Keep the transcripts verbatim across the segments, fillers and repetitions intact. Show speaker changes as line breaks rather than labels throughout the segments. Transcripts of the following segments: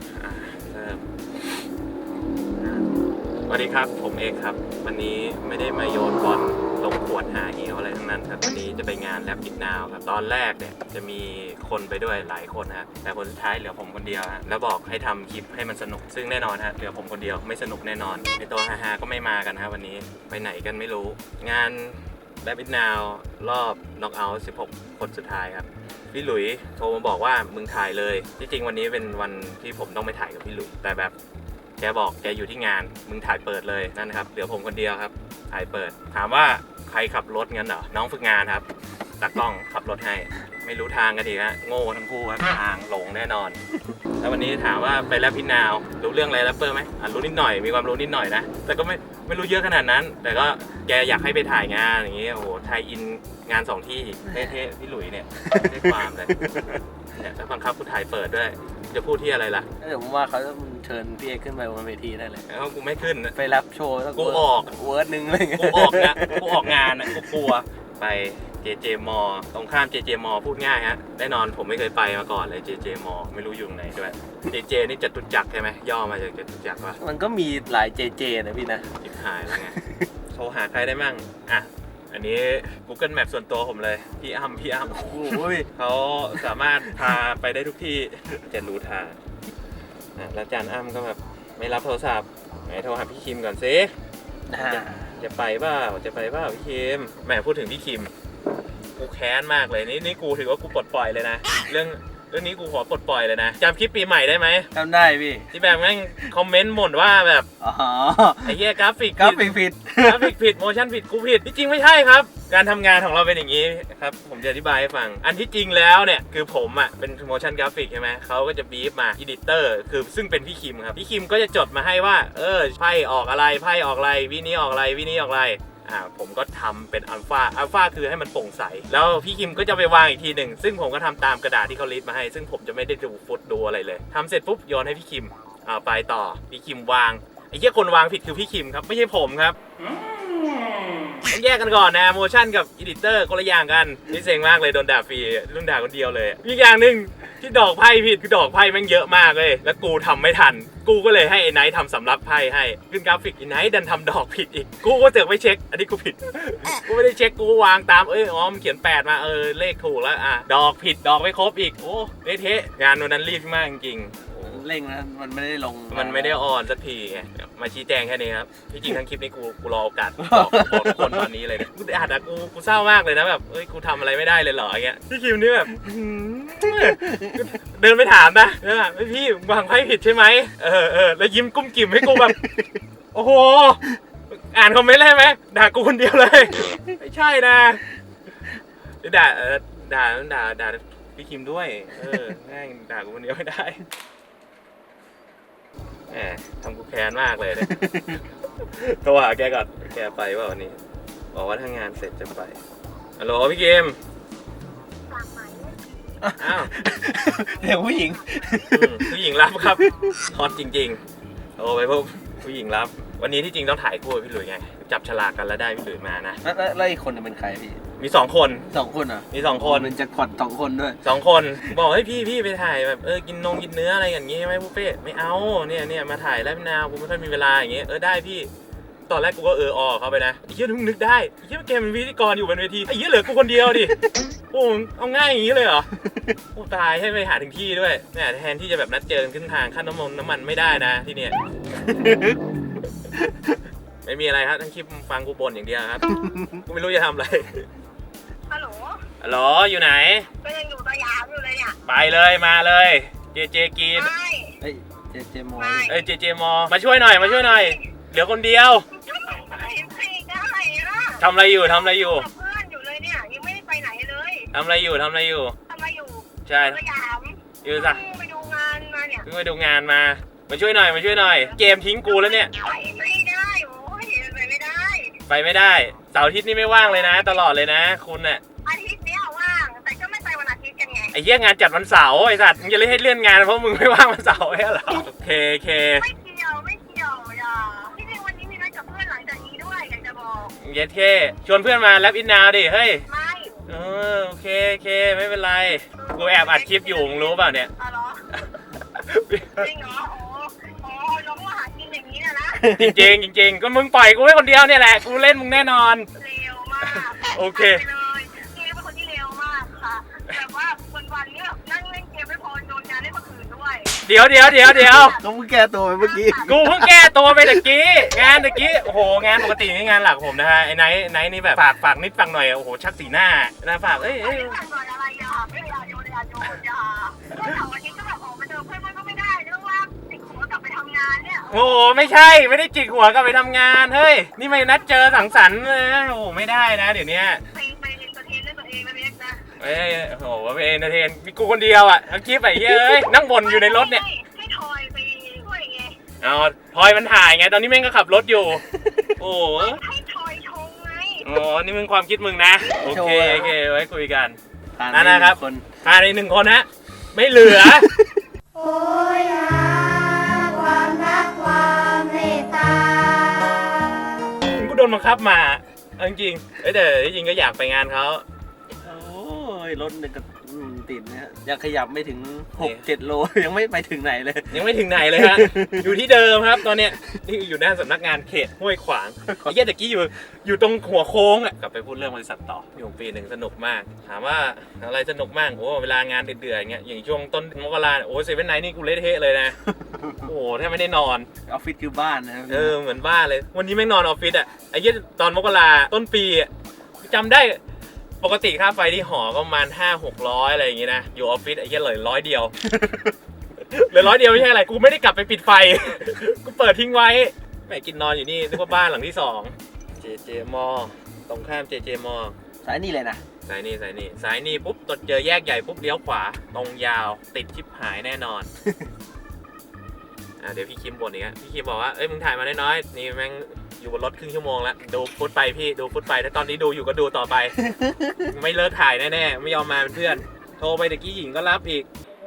สวัสดีครับผมเอกครับวันนี้ไม่ได้มาโยนบอลลงขวดหาเหวอะไรทั้งนั้นครับวันนี้จะไปงานแลบอิดนาวครับตอนแรกเนี่ยจะมีคนไปด้วยหลายคนนะแต่คนสุดท้ายเหลือผมคนเดียวฮะแล้วบอกให้ทำคลิปให้มันสนุกซึ่งแน่นอนฮะเหลือผมคนเดียวไม่สนุกแน่นอนไอตัวฮาๆก็ไม่มากันครับวันนี้ไปไหนกันไม่รู้งานแลบอิดนาวรอบน็อกเอาท์สิบหกคนสุดท้ายครับพี่หลุยโทรมาบอกว่ามึงถ่ายเลยที่จริงวันนี้เป็นวันที่ผมต้องไปถ่ายกับพี่หลุยแต่แบบแกบอกแกอยู่ที่งานมึงถ่ายเปิดเลยนั่นครับเหลือผมคนเดียวครับถ่ายเปิดถามว่าใครขับรถงั้นเหรอน้องฝึกงานครับตากล้องขับรถให้ไม่รู้ทางกันอีกฮะโง่ทั้งคู่ครับทางหลงแน่นอนแล้ววันนี้ถามว่าไปแลบพี่นาวรู้เรื่องอะไรแรปเปอร์ไหมอ่ะรู้นิดหน่อยมีความรู้นิดหน่อยนะแต่ก็ไม่ไม่รู้เยอะขนาดนั้นแต่ก็แกอยากให้ไปถ่ายงานอย่างเงี้ยโอ้โหไทยอินงานสองที่เท่ๆพี่หลุยเนี่ยได้ความเลยเนี่ยถ้าบังคับกูถ่ายเปิดด้วยจะพูดที่อะไรล่ะ
เดี๋ยวผมว่าเขาจะเชิญพี่เอกขึ้นไปบนเวทีได้เลย
แล้วกูไม่ขึ้น
ไปรับโชว์
กูออก
เวิร์ดนึงอะไรเงี้ย
กูออกนะกูออกงานอ่ะกูกลัวไปเจเจมอตรงข้ามเจเจมอพูดง่ายฮะแน่นอนผมไม่เคยไปมาก่อนเลยเจเจมอไม่รู้อยู่ไหนด้วยเจเจนี่จตุจักรใช่ไหมย่อมาจากจตุจักรวะ
มันก็มีหลายเจเจนะพี่นะ
จิบหายแล้วไงโทรหาใครได้มั่งอ่ะอันนี้ Google Map ส่วนตัวผมเลยพี่อ้ำพี่อ้ำโอ้ยเขาสามารถพาไปได้ทุกที่จะรู้ทางแล้วจานอ้ำก็แบบไม่รับโทรศัพท์ไหนโทรหาพี่คิมก่อนสิจะจะไปเปล่าจะไปเปล่าพี่คิมแหมพูดถึงพี่คิมกูแค้นมากเลยนี่นี่กูถือว่ากูปลดปล่อยเลยนะเรื่องเรื่องนี้กูขอปลดปล่อยเลยนะจำคลิปปีใหม่ได้ไหม
จำได้พี่
ที่แบบแม่งคอมเมนต์บ่นว่าแบบ
อ๋อ
ไอ้เหี้ยกราฟิก
กราฟิกผิด
กราฟิกผิดโมชั่นผิดกูผิดที่จริงไม่ใช่ครับการทำงานของเราเป็นอย่างนี้ครับผมจะอธิบายให้ฟังอันที่จริงแล้วเนี่ยคือผมอ่ะเป็นโมชั่นกราฟิกใช่ไหมเขาก็จะบีฟมาอีดิเตอร์คือซึ่งเป็นพี่คิมครับพี่คิมก็จะจดมาให้ว่าเออไพ่ออกอะไรไพ่ออกอะไรวินี้ออกอะไรวินี้ออกอะไรอ่าผมก็ทำเป็นอัลฟาอัลฟาคือให้มันโปร่งใสแล้วพี่คิมก็จะไปวางอีกทีหนึ่งซึ่งผมก็ทำตามกระดาษที่เขาลิสต์มาให้ซึ่งผมจะไม่ได้ดูฟุตดูอะไรเลยทำเสร็จปุ๊บโยนให้พี่คิมอ่าไปต่อพี่คิมวางไอ้เหี้ยคนวางผิดคือพี่คิมครับไม่ใช่ผมครับต้องแยกกันก่อนนะโมชั่นกับอีดิเตอร์คนละอย่างกันนี่เซ็งมากเลยโดนด่าฟรีรุ่นด่าคนเดียวเลยอีกอย่างหนึ่งที่ดอกไพ่ผิดคือดอกไพ่แม่งเยอะมากเลยแล้วกูทำไม่ทันกูก็เลยให้ไอ้ไนท์ทำสำรับไพ่ให้ขึ้นกราฟิกไอ้ไนท์ดันทำดอกผิดอีกกูก็เสือกไม่เช็คอันนี้กูผิดกูไม่ได้เช็คกูวางตามเอ้ยอ๋อมันเขียนแปดมาเออเลขถูกแล้วอ่ะดอกผิดดอกไม่ครบอีกโอ้เละเทะงานวันนั้นรีบมากจริง
เร่งนะมันไม่ได้ลง
มันไม่ได้ออนสักทีไงมาชี้แจงแค่นี้ครับที่จริงทั้งคลิปนี้กูกูรอโอกาสบอกบอกทุกคนตอนนี้เลยกูอาจจะกูกูเศร้ามากเลยนะแบบเอ้ยกูทำอะไรไม่ได้เลยเหรออย่างเงี้ยพี่คิมนี่แบบเดินไปถามนะนะพี่วางไพ่ผิดใช่ไหมเออเออแล้วยิ้มกุ้มกิ่มให้กูแบบโอ้โหอ่านคอมเมนต์ได้ไหมด่ากูคนเดียวเลยไม่ใช่นะด่าด่าด่าด่าพี่คิมด้วยเออง่ายด่ากูคนเดียวไม่ได้แหมทำกูแค้นมากเลยเนี่ยโทรหาแกก่อนแกไปว่าวันนี้บอกว่าถ้างานเสร็จจะไปฮัลโหลพี่คิมอ้าว
เดี๋ยวผู้หญิง
ผู้หญิงรับครับฮอตจริงๆโอ้ไปพบผู้หญิงรับวันนี้ที่จริงต้องถ่ายคู่พี่หลุยไงจับฉลากกันแล้วได้พี่หลุยมานะ
แล้วอีกคนจะเป็นใครพี่
มีสองคน
สองคนอ่ะ
มีสองคน
เป็นแจ็คพอตสองคนด้วย
สองคนบอกให้พี่พี่ไปถ่ายแบบเออกินนงกินเนื้ออะไรอย่างงี้ใช่ไหมบุฟเฟ่ไม่เอาเนี่ยเนี่ยมาถ่ายแล้วพี่นาวกูไม่ค่อยมีเวลาอย่างเงี้ยเออได้พี่ตอนแรกกูก็เออออกเขาไปนะไอ้เหี้ยนึกนึกได้ไอ้เหี้ยแกเป็นพิธีกรอยู่บนเวทีไอ้เหี้ยเหลือกูคนเดียวดิโอ้เอาง่ายอย่างงี้เลยเหรอโอ้ตายให้ไปหาถึงที่ด้วยเนี่ยแทนที่จะแบบนัดเจอกันขึ้นทางขั้นน้ำมันน้ำมันไม่ได้นะที่เนี่ยไม่มีอะไรครับทั้งคลิปฟังกูบ่นอย่างเดียวครับกูไม่รู้จะทำอะไร
ฮัลโหล
ฮัลโหลอยู่ไหน
ก็ยังอยู่สยามอยู่เลยเนี่ย
ไปเลยมาเลยเจเจกิน
เฮ้ยเจเจมอ
เอ้ยเจเจมอมาช่วยหน่อยมาช่วยหน่อยเหลือคนเดียวทำอะไรอยู่ทำอะไรอยู่
เพื่อนอยู่เลยเนี่ยยังไม่ได้ไปไหนเลย
ทำอะไรอยู่ทำอะไรอยู่
ทำอะไรอยู่
ใช่
สยาม
อยู่สัก
ไปดูงานมาเนี่ย
เพิ่งไปดูงานมามาช่วยหน่อยมาช่วยหน่อยเกมทิ้งกูแล้วเนี่ย
ไปไม่ได้โอ้ยไปไม่ได้
ไปไม่ได้เสาร์อาทิตย์นี่ไม่ว่างเลยนะตลอดเลยนะคุณเนี่ย
อาทิตย์นี้ว่างแต่ก็ไม่ไปวันอาทิตย์กันไง
ไอ้เหี้ยงานจัดวันเสาร์ไอ้สัตว์มึงจะเล่นให้เลื่อนงานเพราะมึงไม่ว่างวันเสาร์ใช่หรอโอเคโอเค
ไม่เกี่ยวไม่เกี่ยวอย่าที่จริงวันนี้มีนัดกับเพื่อนหลังจากนี้ด้วยอยากจะบอก
เย็ดเท่ชวนเพื่อนมาแลบอินนาวดิเฮ้ย
ไม่
เออโอเคโอเคไม่เป็นไรกูแอบอัดคลิปอยู่มึงรู้เปล่าเนี่ย
จริงเหรอโอ้โอ้น้องมาหากินอย่างนี้นะนะ
จริงๆจริงๆก็มึงปล่อยกูไว้คนเดียวเนี่ยแหละกูเล่นมึงแน่นอน
เร็วมาก
โอเค
ไปเลยเกมเป็นคนที่เร็วมากค่ะแบบว่าวันๆเนี่ยนั่งเล่นเกมไม่พอโดนงานเล่นเมื่อคืนด้วย
เดี๋ยวเดี๋ยวเดี๋ยวเดี๋ยว
ต้องเพิ่งแก้ตัวไปเมื่อกี้
กูเพิ่งแก้ตัวไปตะกี้งานตะกี้โอ้โหงานปกตินี่งานหลักผมนะฮะไอ้ไนท์ไนท์นี่แบบฝากฝากนิดฝากหน่อยโอ้โหชักสีหน้านะฝากเอ้ย
เอ้
เอ้
ย
ย
ทำหน่อยอะไรอ่ะไม่อยากโยนอยากโยนอย่าเมื่อเสาร์อาทิตย์ก็แบบออกมาเจอเพื่อนมันก็ไม่ได้เรื่องว่าติดหัวกลับไปทำงานเนี่ย
โอ้โหไม่ใช่ไม่ได้จิกหัวกลับไปทำงานเฮ้ยนี่ไม่นัดเจอสังสรรค์เลยนะโอ้โหไม่ได้นะเดี๋ยวนี้
ไปไปเอนเตอร์เทนด้วยตัวเองนะเบสนะ
เอ้ยโอ้โหไปเอนเตอร์เทนมีกูคนเดียวอ่ะทั้งคลิปไอ้เหี้ยเอ้ยนั่งบ่นอยู่ในรถเนี่ย
ให้ทอยไปช่วยไง
เอาพลอยมันถ่ายไงตอนนี้แม่งก็ขับรถอยู่ โอ้โห
ให้ทอยชงไง
อ๋อนี่มึงความคิดมึงนะโอเคโอเคไว้คุยกัน
ผ่าน
นั่นนะครับ
คน
ผ่านในหนึ่งคนฮะไม่เหลือ
โอ้ยหาความรักความเมตตา
กูโดนบังคับมาเอาจริงๆเอ้ยแต่จริงๆก็อยากไปงานเขา
โอ้ยรถเนี่ยก็อืมติดนะฮะยังขยับไม่ถึงหก
นี่
เจ็ดโล ยังไม่ไปถึงไหนเลย
ยังไม่ถึงไหนเลยฮะ อยู่ที่เดิมครับตอนเนี้ยนี่อยู่หน้าสำนักงานเขตห้วยขวางไอ้เหี้ยตะกี้อยู่อยู่ตรงหัวโค้งอ่ะกลับไปพูดเรื่องบริษัทต่ออยู่ปีหนึ่งสนุกมาก ถามว่าอะไรสนุกมากโอ้เวลางานเดือดๆอย่างเงี้ยอย่างช่วงต้นมกราโอ้เซเว่นไนท์นี่กูเละเทะเลยนะ โอ้โหแทบไม่ได้นอน
ออฟฟิศคือบ้านนะครับ
เออเหมือนบ้าเลย วันนี้แม่งนอนออฟฟิศอ่ะไอ้เหี้ยตอนมกราต้นปีอ่ะจำได้ปกติค่าไฟที่หอก็ประมาณห้าหกร้อยอะไรอย่างงี้นะอยู่ออฟฟิศไอ้เหี้ยเหลือร้อยเดียว เหลือร้อยเดียวไม่ใช่อะไร กูไม่ได้กลับไปปิดไฟ กูเปิดทิ้งไว้แม่กินนอนอยู่นี่นึกว่าบ้านหลังที่สองเจเจมอตรงข้ามเจเจมอ
สายนี่เลยนะ
สายนี่สายนี่สายนี่ปุ๊บตดเจอแยกใหญ่ปุ๊บเลี้ยวขวา ตรงยาวติดชิบหายแน่นอน อ่ะเดี๋ยวพี่คิมบ่นอีกฮะพี่คิมบอกว่าเอ้ยมึงถ่ายมาน้อยๆนี่แม่งอยู่บนรถครึ่งชั่วโมงแล้วดูฟุตไปพี่ดูฟุตไปถ้าตอนนี้ดูอยู่ก็ดูต่อไป ไม่เลิกถ่ายแน่ๆไม่ยอมมาเป็นเพื่อนโทรไปตะกี้หญิงก็รับอีก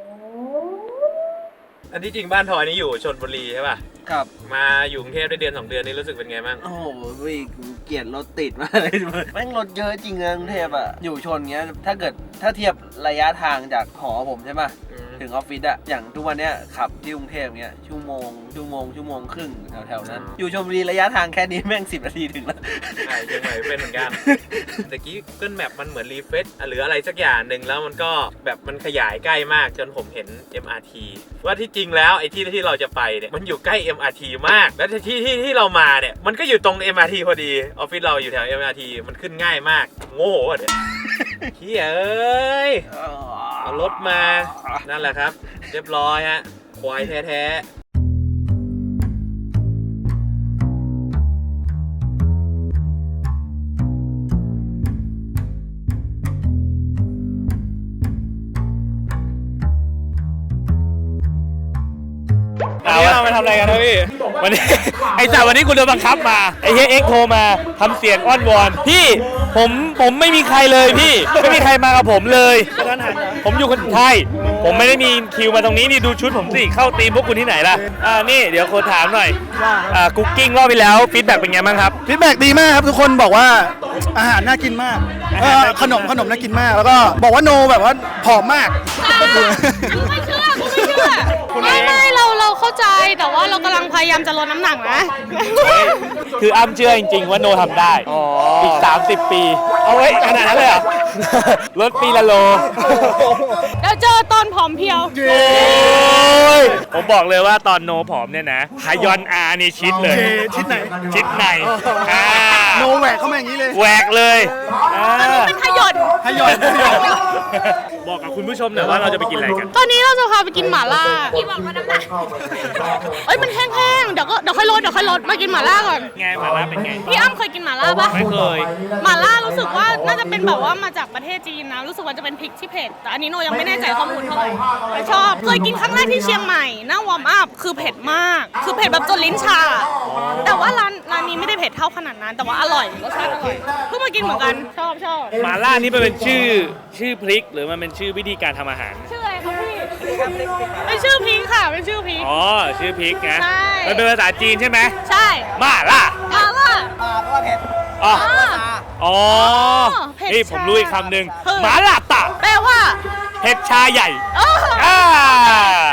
อันที่จริงบ้านทอยนี่อยู่ชลบุรีใช่ป่ะ
ครับ
มาอยู่กรุงเทพได้เดือนสองเดือนนี่รู้สึกเป็นไงบ้าง
โอ้โหพี่เกลียดรถติดมากเลยแม่งรถเยอะจริงนะกรุงเทพอะอยู่ชนเงี้ยถ้าเกิดถ้าเทียบระยะทางจากหอผมใช่ปะ
อืม
ถึงออฟฟิศอะอย่างทุกวันเนี้ยขับที่กรุงเทพเงี้ยชั่วโมงชั่วโมงชั่วโมงครึ่งแถวๆนั้น อยู่ชลบุรีระยะทางแค่นี้แม่งสิบนาทีถึงแล้ว
ใช่เชียงใหม่เป็นเหมือนกันตะกี้ Google Map มันเหมือนรีเฟซหรืออะไรสักอย่างหนึ่งแล้วมันก็แบบมันขยายใกล้มากจนผมเห็น เอ็ม อาร์ ที ว่าที่จริงแล้วไอ้ที่ที่เราจะไปเนี่ยมันอยู่ใกล้ เอ็ม อาร์ ที มาก แล้วที่ที่ที่เรามาเนี่ยมันก็อยู่ตรง เอ็ม อาร์ ที พอดีออฟฟิศเราอยู่แถว เอ็ม อาร์ ที มันขึ้นง่ายมากโง่อะเนี่ยเฮียเอ้ยเอารถมานั่นแหละครับ เรียบร้อยฮะควายแท้ๆ
วันนี้เรามาทำอะไรกันครับพี่ วันนี้ ไอ้จ่าวันนี้กูโดนบังคับมา ไอ้เฮียเอ็กโทรมาทำเสียงอ้อนวอน พี่ผมผมไม่มีใครเลยพี่ ไม่มีใครมากับผมเลย ผมอยู่คนไทย ผมไม่ได้มีคิวมาตรงนี้นี่ดูชุดผมสิ เข้าตีมพวกคุณที่ไหนล่ะ อ่านี่เดี๋ยวคนถามหน่อยอ่าคุกกิ้งรอบไปแล้วฟีดแบ็กเป็นไงบ้างครับ
ฟีดแบ็กดีมากครับทุกคนบอกว่าอาหารน่ากินมาก
อา
เอ
หาร
อ
น่ากิน
ขนมขนมน่ากินมาก แล้วก็บอกว่าโนแบบว่าผอมมาก
ไม่เชื่อกูไม่เชื่อ ไม่ไม่เราเราเข้าใจแต่ว่าเรากำลังพยายามจะลดน้ำหนักนะ
คืออ้ำเชื่อจริงๆว่าโนทำได้ อีก สามสิบ ปี เอาไว้ขนาดนั้นเลยเหรอ ลดปีละโล
เดี๋ยวเจอตอนผอมเพรียว
โอ้ยผมบอกเลยว่าตอนโนผอมเนี่ยนะฮายอนอาร์นี่ชิดเลย
โอเคชิดไหน
ชิดในอ่า
โนแหวกเข้ามาอย่างนี้เลย
แหวกเลยอ่า
เป็นขยด
ให้ยอดให้ยอด
บอกกับคุณผู้ชมหน่อยว่าเราจะไปกินอะไรกัน
ตอนนี้เราจะพาไปกินหม่าล่าพี่บอกว่าน้ำหนักเอ้ยมันแห้งๆเดี๋ยวก็เดี๋ยวค่อยลดเดี๋ยวค่อยลดมากินหม่าล่าก่อน
ไงหมาล่าเป็นไง
พี่อ้ำเคยกินหม่าล่าปะ
ไม่เคย
หม่าล่ารู้สึกว่าน่าจะเป็นแบบว่ามาจากประเทศจีนนะรู้สึกว่าจะเป็นพริกที่เผ็ดแต่อันนี้โนยังไม่แน่ใจข้อมูลเท่าไหร่แต่ชอบเคยกินครั้งแรกที่เชียงใหม่หน้าวอร์มอัพคือเผ็ดมากคือเผ็ดแบบจนลิ้นชา แต่ว่าร้านร้านนี้ไม่ได้เผ็ดเท่าขนาดนั้น แต่ว่าอร่อยรสชาติอร่อยเพิ่งมากินเหมือนกันชอบชอบ
หมาล่านี่มันเป็นชื่อชื่อพริกหรือมันเป็นชื่อวิธีการทำอาหาร
ชื่ออะไรคะพี่เป็นชื่อพริกค่ะเป็นชื่อพริก
อ๋อ ชื่อพริกนะ
ใช่
มันเป็นภาษาจีนใช่ไหม
ใช่
หมาล่า
มาล่า
อ๋อ
อ่า
อ๋อ
เผ็ด
นี่ผมรู้อีก
ชา
คำหนึ่ง
คือ
หมาล่าตะ
แปลว่า
เผ็ดชาใหญ่
เออ
อ่า
มา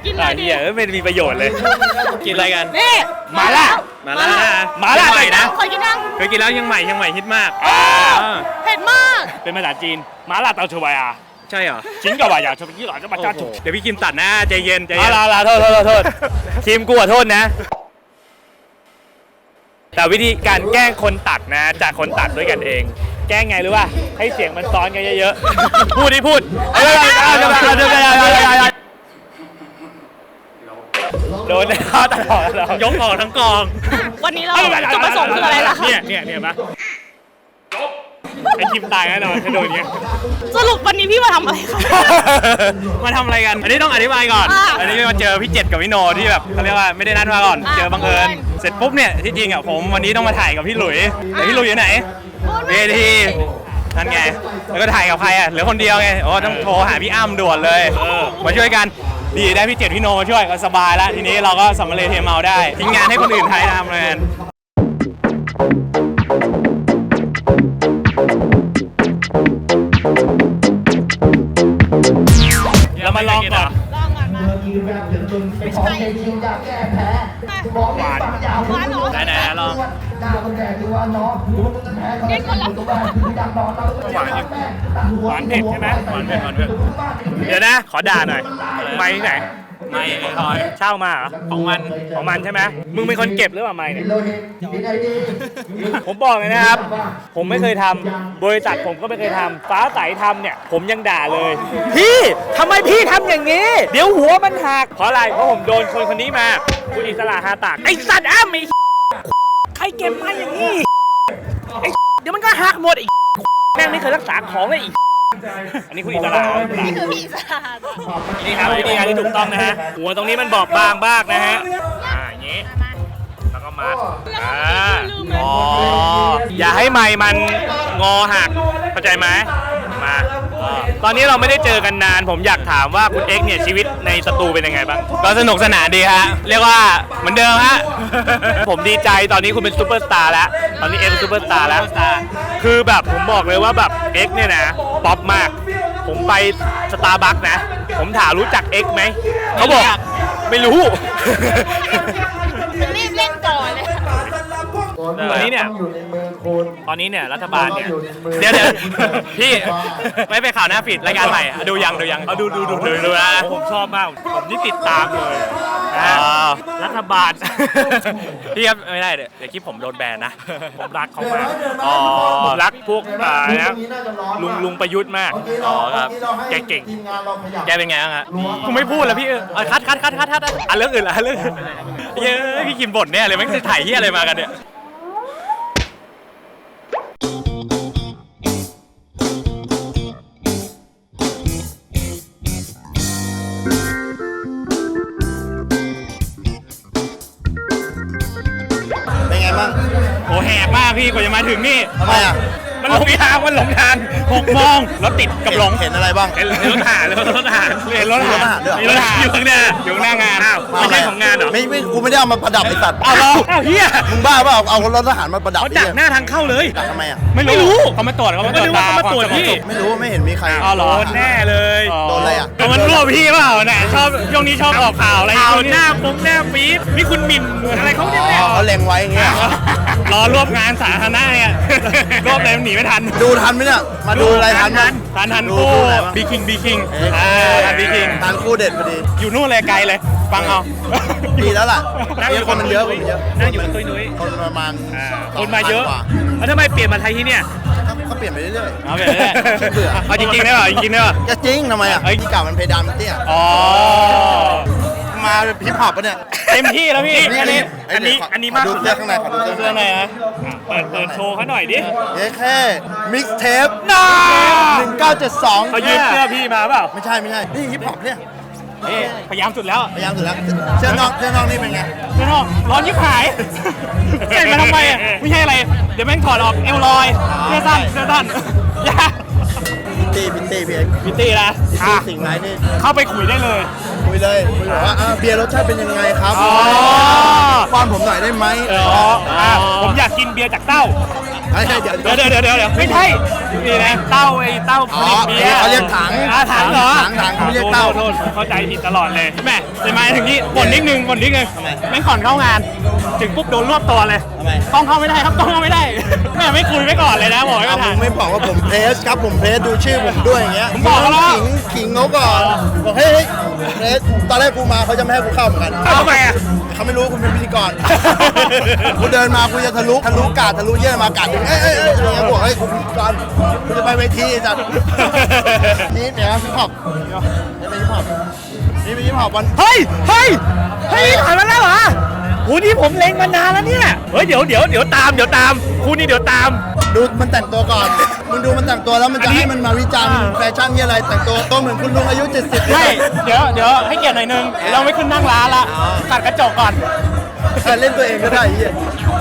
กินหน่
อ่ะ
อยดิ
เหี้ยเอ้ยไม่มีประโยชน์เลย
กินอะไรกัน
นี่
หมาล่า
มาล่า
หมาล่า
ใหม่นะ
เคยกินยัง
เคยกินแล้วยังใหม่ยังใหม่ฮิตมาก
อ่า
อ่า
เผ็ดมาก
เป็นภาษาจีนหมาล่าเตาชวายอ่ะ
ใช่เหรอ
ชิ้นกับว่าอยากชอบยี่หล่อจะมาจ้าจุก
เดี๋ยวพี่คิมตัดหน้าใจเย็นใจ
เอา
เย็น
ละละโทษโทษโทษโทษทีมกูขอโทษนะ แต่วิธีการแกล้งคนตัดนะ จากคนตัดด้วยกันเอง แกล้งไงรู้ป่ะให้เสียงมันซ้อนกันเยอะๆ พูดดิพูดเออเอาจะมาเอาจะมาโดนเขาตลอดยกออกทั้งกอง
วันนี้เราจุดประสงค์คืออะไรล่ะคะ
เนี่ยเนี่ยเนี่ยปะไอคิมตายแน่นอนถ้าโดนเนี้ย
สรุปวันนี้พี่มาทำอะไรคะ
มาทำอะไรกัน อันนี้ต้องอธิบายก่อน
อ่า
อันนี้มาเจอพี่เจ็ดกับพี่โนที่แบบเขาเรียกว่าไม่ได้นัดมาก่อน
อ่า
เจอบังเอิญ
บังเอิญ
เสร็จปุ๊บเนี่ยที่จริงอ่ะผมวันนี้ต้องมาถ่ายกับพี่หลุยแต่พี่หลุยอยู่ไหน เวทีนั่นไง แล้วก็ถ่ายกับใครอ่ะเหลือคนเดียวไง โอ้ต้องโทรหาพี่อ้ำด่วนเลย มาช่วยกัน ดีได้พี่เจ็ดพี่โนมาช่วยก็สบายแล้ว ทีนี้เราก็สำเร็จเทเมาได้ทิ้งงานให้คนอื่นถ่ายทำเลย
เรามาลองก่อน
ลองก่อนมาไม่ใช่หวานหวานเหรอ
ไหนๆลอง
เก่งคนละ
หวานอยู่หวานเผ็ดใช่ไหมหวานเผ็ดหวานเผ็ดเดี๋ยวนะ ขอด่าหน่อยไม้ที่ไหน
ไม่ไอ้ทอย
เช่ามาเหรอ
ของมัน
ของมันใช่ไหมมึงเป็นคนเก็บหรือเปล่าไม้เนี่ยผมบอกเลยนะครับ ผมไม่เคยทำบริษัทผมก็ไม่เคยทำฟ้าใสทำเนี่ย ผมยังด่าเลย พี่ทำไมพี่ทำอย่างนี้ เดี๋ยวหัวมันหักเพราะอะไรเพราะผมโดนคนคนนี้มาคุณอิสระฮาตากไอสัตว์อ้ำไอใครเก็บมาอย่างนี้ไอเดี๋ยวมันก็หักหมดไอแม่งไม่เคยรักษาของเลยอีกอันนี้คุณอิสระ
นี่คือพี่สาด
นี่ครับวิธีการที่ถูกต้องนะฮะหัวตรงนี้มันบอบบางมากนะฮะอ่าอย่างนี้แล้วก็มัดอ่าอ๋ออย่าให้ไม้มันงอหักเข้าใจไหมมาอ่าตอนนี้เราไม่ได้เจอกันนาน ผมอยากถามว่าคุณเอ็กซ์เนี่ยชีวิตในสตูเป็นยังไงบ้าง
ก็สนุกสนานดีฮะ เรียกว่าเหมือนเดิมฮะ
ผมดีใจตอนนี้คุณเป็นซูเปอร์สตาร์แล้วตอนนี้เอ็กซ์เป็นซูเปอร์สตาร์แล้วคือแบบผมบอกเลยว่าแบบเอ็กซ์เนี่ยนะป๊อปมาก ผมไปสตาร์บัคนะ ผมถามรู้จักเอ็กซ์ไหมเขาบอกไม่รู้
รีบเล่นก่อนเลย
ตอนนี้เนี่ยตอนนี้เนี่ยรัฐบาลเนี่ย
เดี๋ยวเดี๋ยวพี่ ไม่ไปข่าวหน้าปิดรายการใหม่อ่ะดูยังดูยัง
เอาดูดูดู
ดูดูนะ
ผมชอบมาก ผมนี่ติดตามเลยนะ
อ๋อ
รัฐบาล
พี่ครับไม่ได้เดี๋ยวเดี๋ยวคลิปผมโดนแบนนะ
ผมรักเขามาก
อ๋อ
ผมรักพวกอ่านะลุงลุงประยุทธ์มาก
อ๋อครับ
แกเก่ง
แกเป็นไงบ้างฮะกูไม่พูดแล้วพี่เออเอาคัดคัดคัดคัดคัดอ่ะเรื่องอื่นละเรื่องอื่นเย้ยพี่กินบ่นเนี่ยเลยไม่งจะถ่ายที่อะไรมากันเนี่ย
เป็นไงบ้าง
โอ้แหกมากพี่กว่าจะมาถึงนี่
ทำไมอ่ะ
มันหลงทางมันหลงทางหกโมงรถติดกับหลง
เห็นอะไรบ้าง
เห็นรถทหารเลยรถทหารเห็นรถทหาร
มีรถทหารด้วยเหรอ
มีรถทหารอยู่ข้างหน้าอยู่ข้างหน้างานไม่ใช่ของงานเหรอ
ไม่ไม่กูไม่ได้เอามาประดับไอ้สัตว์
เอาเหรอเอาเฮีย
มึงบ้าเปล่าเอารถทหารมาประดับ
เขาดักหน้าทางเข้าเลย
ดักทำไมอ่ะ
ไม่รู้เขามาตรวจเขามาตรวจตา
เขามาตรวจพี่
ไม่รู้ไม่เห็นมีใคร
อ๋อเหรอ
โดนแน่เลย
โดนอะไรอ่ะ
ก็มันรั่วพี่เปล่าเนี่ยชอบช่วงนี้ชอบออกข่าวอะไร
ข่าวหน้าปุ๊บหน้าปี๊ดนี่คุณหมิ่นอะไรเขาเนี่ย
อ๋อเขาเล็งไว้อย่างเงี้ย
รอรวบงานสาธารณะเนี่ยรวบเลยหนีไม่ทัน
ดูทันไหมเนี่ย มาดูอะไรทันมั้ย
ทันทัน
ดู
คู่
ดูอะไรบ้าง
บีคิงบีคิง
เอ๊ะ
อ่าทันบีคิง
ทันคู่เด็ดพอดี
อยู่นู่นเลยไกลเลย ฟังเอา
ดีแล้วล่ะ
นั่งอยู่
คนมันเยอะคนมันเยอะ
นั่งอยู่กับตุ้ยนุ้ย
คนประมาณ
อ่า
ส
ค
ง
นมาเยอะ
พักว่า
แล้วทำไมเปลี่ยนมาไทยที่เนี่ย
ก็เปลี่ยนไปเรื่อย
เอาไปเลย
เบื่อ
เอาจริงๆได้ป่ะจริงๆได้ป่ะ
ๆจะจริงทำไมอ่ะ
เอ้ย
ที่เก่ามันเพดานมันเตี้ย
อ๋อ
มาพิพอปปะเนี่ย
เต็มที่แล้วพี่
นี่
อันนี้
อันนี้
ข
อันนี้มาก
ขดู
สุด
เสื้อข้างในขอดูเสื้อ
เสื้อไหนนะ
เปิดเปิดโชว์เขาหน่อยดิ
เย้แค่มิกเทป
น้า
หนึ่งเก้าเจ็ดสอง
เขายืมเสื้อพี่มาเปล่า
ไม่ใช่ไม่ใช่ นี่ฮิปฮอปเนี่ย
นี่พยายามสุดแล้ว
พยายามสุดแล้ว เสื้อนอกเสื้อนอกนี่เป็นไง
เสื้อนอกร้อนยิบหายใส่มาทำไมอ่ะไม่ใช่อะไร เดี๋ยวแม่งถอดออกเอวลอยเสื้อสั้นเสื้อสั้นอย่า
พิตตี้พิตตี้พี่เอ็กซ์
พิตตี้นะ
พิต
อ่ะ
ตี้สิ่งไรนี่
เข้าไปคุยได้เลย
คุยเลยคุยบอกว่าอ่าเบียร์รสชาติเป็นยังไงครับ
อ๋อ
ป้อนผมหน่อยได้ไหม
อ๋ออ่ะผมอยากกินเบียร์จากเต้า
เฮ้ยเดี๋ยว
เดี๋ยวเดี๋ยวเดี๋ยวเดี๋ยวไม่ใช่นี่นะเต้าไอ้เต้าผ
อ๋อ
ลิตเบียร์
เขาเรียกถัง
อ่าถังเหรอ
ถังถังเขาเรียกเต้า
โทษโทษเข้าใจผิดตลอดเลยแม่แต่มาถึงนี้บ่นนิดนึงบ่นนิดนึงไม่ก่อนเข้างาน ถึงปุ๊บโดนรวบตัวเลย
ทำไม
กล้องเข้าไม่ได้ครับกล้องเข้าไม่ได้แม่ไม่คุยไว้ก่อนเลยนะบอกให้
เอา
มา
ผ
ถ่าย
มไม่บอกว่าผมเพรสครับผมเพรสดูชื่อผมด้วยอย่างเงี้ย
ผมบอกแล้ว
ขิงขิงเขาก่อนบอกเฮ้ยเฮ้ยเพรสตอนแรกกูมาเขาจะไม่ให้กูเข้าเหมือนกัน
ทำไมอ่ะ
เขาไม่รู้คุณเป็นพิธีกร กูเดินมากูจะทะลุทะลุกาดทะลุเยี่ยมากาดถึงเอ้ยเอ้ยเอ้ยอะไรเงี้ยบอกเฮ้ยกูเป็นพิธีกรกูจะไปเวทีจัดนี่เนี่ยฮิปฮอปนี่เป็นฮิปฮอปนี่เป็นฮิปฮอปวัน
เฮ้ยเฮ้ยเฮ้ยผ่านมาแล้วเหรอโหนี่ผมเล็งมานานแล้วเนี่ยเฮ้ยเดี๋ยวเดี๋ยวเดี๋ยวตามเดี๋ยวตามคู่นี้เดี๋ยวตาม
ดูมันแต่งตัวก่อนมึงดูมันแต่งตัวแล้วมันจะให้มันมาวิจารณ์แฟชั่นนี่อะไรแต่งตัวตัวเหมือนคุณลุงอายุเจ็ดสิบ
ใช่เดี๋ยวเดี๋ยวให้เกียรติหน่อยนึงเราไม่ขึ้นนั่งร้านละตัดกระจกก่อน
เล่นตัวเองก็ได้ไอ้เหี้ย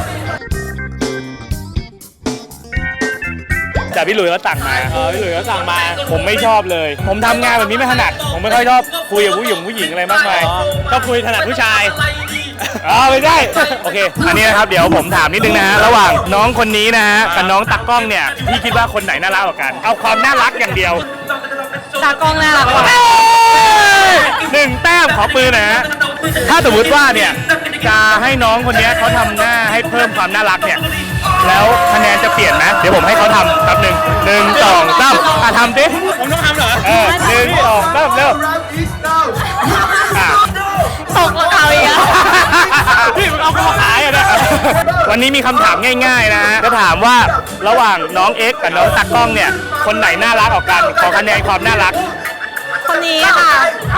แต่พี่หลุยส์เขาสั่งมาเออพี่หลุยส์เขาสั่งมา ผมไม่ชอบเลย ผมทำงานแบบนี้ไม่ถนัด ผมไม่ค่อยชอบคุยกับผู้หญิงผู้หญิงอะไรมากมายชอบคุยถนัดผู้ชายอ๋อไม่ได้โอเค อันนี้นะครับเดี๋ยวผมถามนิดนึงนะฮะระหว่างน้องคนนี้นะฮะกับน้องตักกล้องเนี่ยพี่คิดว่าคนไหนน่ารักกว่ากัน เอาความน่ารักอย่างเดียว
ตากล้องน่ารักกว่า
หนึ่งแต้มขอปืนนะฮะถ้าสมมติว่าเนี่ยจะให้น้องคนนี้เขาทำหน้าให้เพิ่มความน่ารักเนี่ยแล้วคะแนนจะเปลี่ยนไหมเดี๋ยวผมให้เขาทำแป๊บหนึ่งหนึ่งสองสามอ่ะทำดิผมต้องทำเหรอเออหนึ่งสองสามเร็วอ่ะ
ตกแล้วเอาอีกอ่ะ
พี่มึงเอาเข้ามาขายอ่ะนะวันนี้มีคำถามง่ายๆนะฮะจะถามว่าระหว่างน้องเอ็กซ์กับน้องตักกล้องเนี่ยคนไหนน่ารักออกกันขอคะแนนความน่ารัก
คนนี้ค่ะ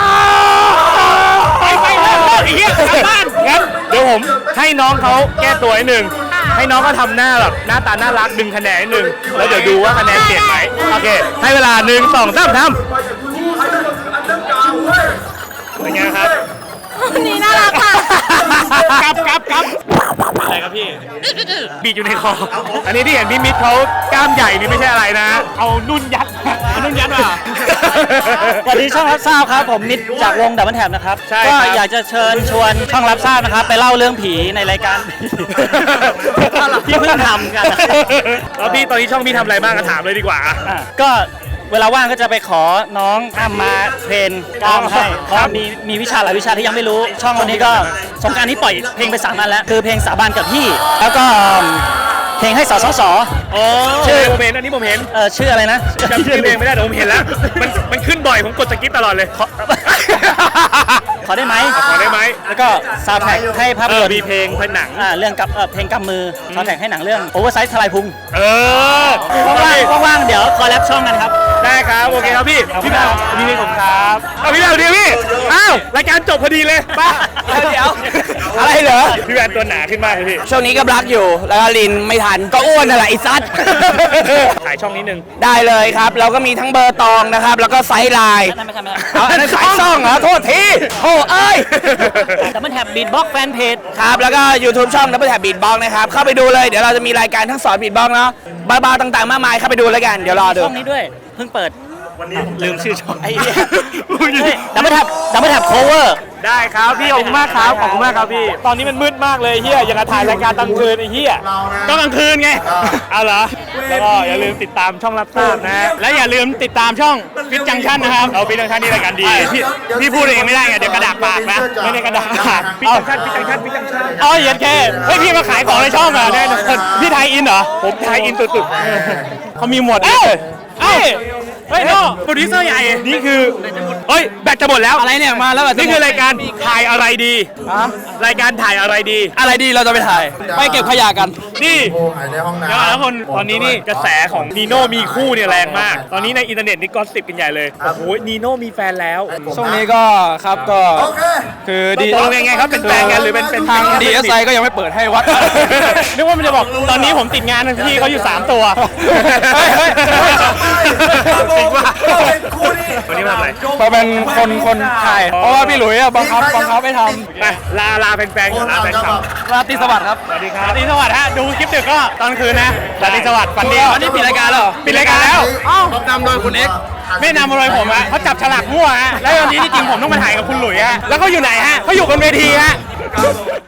ไปไปเลยไอ้เหี้ยกลับบ้านงั้นเดี๋ยวผมให้น้องเขาแก้ตัวนิดนึงให้น้องเขาทำหน้าแบบหน้าตาน่ารักดึงคะแนนนิดนึงแล้วเดี๋ยวดูว่าคะแนนเปลี่ยนไหมโอเคให้เวลาหนึ่งสองสามทำเป็นไงครับ
คนนี้น่ารักค่ะ
กลับกลับกลับอะไรครับพี่บีดอยู่ในคออันนี้ที่เห็นพี่มิตรเขากล้ามใหญ่นี่ไม่ใช่อะไรนะเอานุ่นยัดเอานุ่นยัดมา
สวัสดีช่องรับทราบครับผมมิตรจากวงดับเบิลแท็บนะครับ
ใช่
ก็
ครับ
อยากจะเชิญชวนช่องรับทราบนะครับ ไปเล่าเรื่องผีในรายการ ที่เพิ่งทำกัน
แล้วพี่ตอนนี้ช่องพี่ทำอะไรบ้างก็ถามเลยดีกว่า
อ่ะก็เวลาว่างก็จะไปขอน้องอ้ำมาเทรนกล้ามให้เพราะมีมีวิชาหลายวิชาที่ยังไม่รู้ ช่องวันนี้ก็สงกรารนี้ปล่อยเพลงไปสามอันแล้ว คือเพลงสาบานกับพี่ แล้วก็เพลงให้สสส
อ๋อ
ชื่อ
ผมเห็นอันนี้ผมเห็น
เออชื่ออะไรนะ
จำชื่อเพลงไม่ได้แต่ผมเห็นแล้ว มันมันขึ้นบ่อยผมกดสกิปตลอดเลย
ขอ ขอได้ไหม
ขอได้ไหม
แล้วก็ซาวด์แทร็กให้ภาพ
เอย อน
ตร์
มีเพลงเพลงหนัง
อ่าเรื่องกับเอ่อเพลงกำมือซาวด์แทร็กให้หนังเรื่องโอเวอร์ไซส์ทลายพุง
เออ
ว่างๆว่างๆเดี๋ยวคอลแลบช่องกันครับ
ได้ครับโอเคครับพี่
ขอบคุ
พี่
ณ
แม
ครับ
วพี่นี่ผมครับเอาพี่แมวเดียวพี่อ้าวรายการจบพอดีเลยป้า
เดี๋ยว
อะไรเหรอพี่แมวตัวหนาขึ้นมากเลยพี่
ช่วงนี้ก็รักอยู่แล้วก็ลินไม่ทันก็อ้วนนั่นแหละไอ้ซัด
ขายช่องนิดนึง
ได้เลยครับ เราก็มีทั้งเบอร์ตองนะครับ แล้วก็ไซส์ไลน์
ไม่ใช่ไม่ใช่
เอาอันนั้นสายซ่องเหรอ โทษทีโอ้เอ้ย
แต่มันแท็บบีทบ็อกแฟนเพจ
ครับ แล้วก็ YouTube ช่อง Double Tap Beatbox นะครับ เข้าไปดูเลย เดี๋ยวเราจะมีรายการทั้งสอน Beatbox เนาะบ้าๆต่างๆ มากมาย เข้าไปดูแล้วกัน เดี๋ยวรอดู
ช่องนี้ด้วย เพิ่งเปิดลืมชื่อช่อง
ไอ้เหี้ย
ดับเบิลแท็บดับเบิลแท็บโคเวอร์
ได้ครับพี่ขอบคุณมากครับขอบคุณมากครับพี่ ตอนนี้มันมืดมากเลยเฮียอย่างกับถ่ายรายการกลางคืนไอ้เฮียก็กลางคืนไงเอาเหรอแล้วก็อย่าลืมติดตามช่องรับทราบนะและอย่าลืมติดตามช่องฟิตจังชันนะครับเอาฟิตจังชันนี่รายการดีพี่พี่พูดเองไม่ได้ไงเดี๋ยวกระดาษปากนะไม่ได้กระดาษปากฟิตจังชันฟิตจังชันฟิตจังชันอ๋อเย็นแค่เฮ้ยพี่มาขายของในช่องเหรอแน่นอนพี่ไทยอินเหรอผมไทยอินตุดๆเขามีหมวดเอ้าเอ้าเฮ้ยโน่โปรดิวเซอร์ใหญ่นี่คือเฮ้ยแบตจะหมดแล้วอะไรเนี่ยมาแล้วนี่คือรายการถ่ายอะไรดีรายการถ่ายอะไรดี
อะไรดีเราจะไปถ่าย ไปเก็บขยะกัน
นี่
หายในห้องน้
เดี๋ยวแล้วคนตอนนี้นี่กระแสของนีโน่มีคู่เนี่ยแรงมาก ตอนนี้ในอินเทอร์เน็ตนี่ก็สิบกันใหญ่เลยโอ้โหนีโน่มีแฟนแล้ว
ช่วงนี้ก็ครับก็
ำโอเค
คือ
ตกลงยังไงครับเป็นแฟนกันหรือเป็นเป็น
ทาง ดี เอส ไอ ก็ยังไม่เปิดให้วัด
นึกว่ามันจะบอกตอนนี้ผมติดงานพี่เขาอยู่สามตัว
เฮ้ยเฮ้ยเฮ้ย
จริงว่าวันนี้มาทำอะไร
มาเป็นคนคนถ่าย เพราะว่าพี่หลุยส์อะบังคับบังคับให้ท
ไปลาลาแฟนๆก่อนลาแฟนคลับ
ำราตรีสวัสดิ์ครับ
สวัสดีครับราตรีสวัสดิ์ฮะดูคลิปดึกก็ตอนคืนนะราตรีสวัสดิ์ฝันดี
วันนี้ปิดรายการแล้วเหรอ
ปิดรายการแล้ว
ต้องนำโดยคุณเอ็กซ์
ไม่นำอะไรผมอะเขาจับฉลากมั่วฮะแล้ววันนี้ที่จริงผมต้องมาถ่ายกับคุณหลุยฮะแล้วเขาอยู่ไหนฮะเขาอยู่บนเวทีฮะ